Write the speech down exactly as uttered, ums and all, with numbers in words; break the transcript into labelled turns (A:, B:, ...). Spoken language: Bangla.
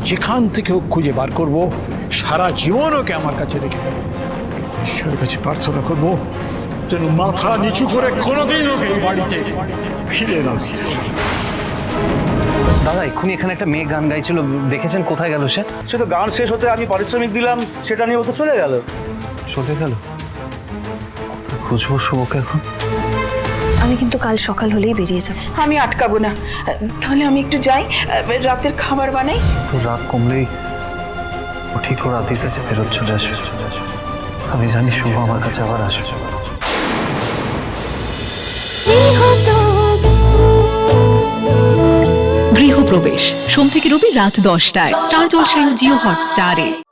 A: যেখান থেকে হোক খুঁজে বার করব, সারা জীবন ওকে আমার কাছে রেখে দেবো। ঈশ্বরের কাছে প্রার্থনা করব যেন মাথা নিচু করে কোনোদিন ওকে এই বাড়িতে ফিরে না আসতে হয়।
B: দাদা এক্ষুনি এখানে একটা মেয়ে গান গাইছিল, দেখেছেন? কোথায় গেল সে?
C: সে তো গান শেষ হতে আমি পারিশ্রমিক দিলাম, সেটা নিয়ে ও তো চলে গেল।
B: চলে গেল? খুঁজবো শুভকে এখন।
D: আমি কিন্তু কাল সকাল হলেই বেরিয়ে যাব।
E: আমি আটকাবো না, তাহলে আমি একটু যাই, রাতের খাবার বানাই।
B: তো রাত কমলেই ও ঠিক ও রাতের কাছে ফেরত চলে আসবে। আমি জানি শুভ আমার কাছে আবার আসবে।
F: গৃহপ্রবেশ সোম থেকে রবি রাত দশটায় স্টার জলসায় ও জিও হটস্টারে।